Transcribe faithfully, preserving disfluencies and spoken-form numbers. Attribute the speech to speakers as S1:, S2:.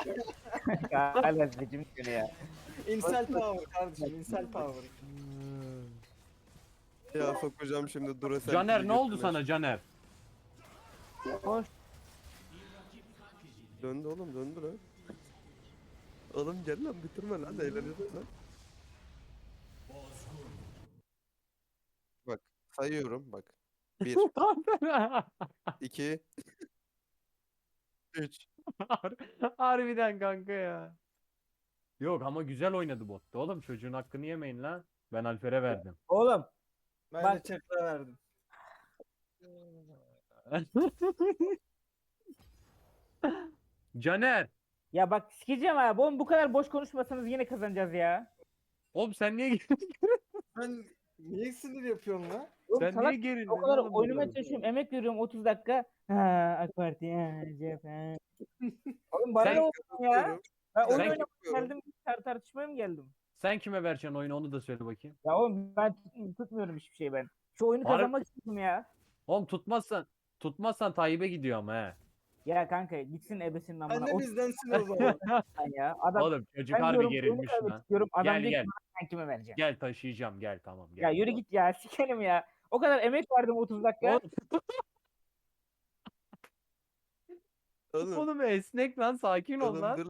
S1: Hala seçim günü ya.
S2: İnsel power kardeşim, insel power.
S3: Ya sokacağım şimdi Duracell
S4: Caner
S3: pili
S4: ne oldu
S3: götüne.
S4: sana Caner?
S1: Hoş.
S3: Döndü oğlum döndü lan. Oğlum gel lan bitirme lan eğleneceğiz lan. Bak sayıyorum bak. Bir, iki, üç.
S4: Har- Harbiden kanka ya. Yok ama güzel oynadı botta oğlum, çocuğun hakkını yemeyin lan. Ben Alper'e verdim.
S1: Oğlum
S2: Ben
S1: Bak.
S2: de çakra verdim.
S4: Caner.
S1: ya bak sikeceğim abi. Oğlum bu kadar boş konuşmasanız yine kazanacağız ya.
S4: Oğlum sen niye
S2: Ben niye sinir yapıyorum lan?
S1: Oğlum
S4: sen
S1: salak,
S4: niye gerildin
S1: o kadar
S4: oğlum bu
S1: oynamaya
S4: kadar?
S1: çalışıyorum. Emek veriyorum otuz dakika. Ha AK Parti. Ha, C H P. ha. Oğlum bana
S4: Sen-
S1: ne oldu ya?
S3: Kapatıyorum.
S1: Ben oyun
S4: Sen-
S1: oynamaya
S3: Kapatıyorum.
S1: geldim. Tar tartışmaya mı geldim?
S4: Sen kime vereceksin oyunu, onu da söyle bakayım.
S1: Ya oğlum ben tut- tutmuyorum hiçbir şey ben. Şu oyunu
S4: Harbi-
S1: kazanmak istedim ya.
S4: Oğlum tutmazsan tutmazsan Tayyip'e gidiyor ama he.
S1: Ya kanka gitsin ebesinin amına.
S2: Sen de
S1: O
S2: bizdensin o zaman.
S1: s**tan ya. Adam
S4: Oğlum çocuk
S1: ben
S4: harbi
S1: diyorum oyunu
S4: gerilmiş
S1: kaybettik
S4: lan.
S1: diyorum. Adam
S4: Gel
S1: diyor
S4: gel.
S1: ki ben kime vereceğim?
S4: Gel taşıyacağım, gel tamam gel.
S1: Ya yürü git ya sikerim ya. O kadar emek verdim otuz dakika.
S4: Oğlum,
S3: Oğlum,
S4: oğlum esnek lan, sakin ol
S3: oğlum
S4: lan.
S3: dur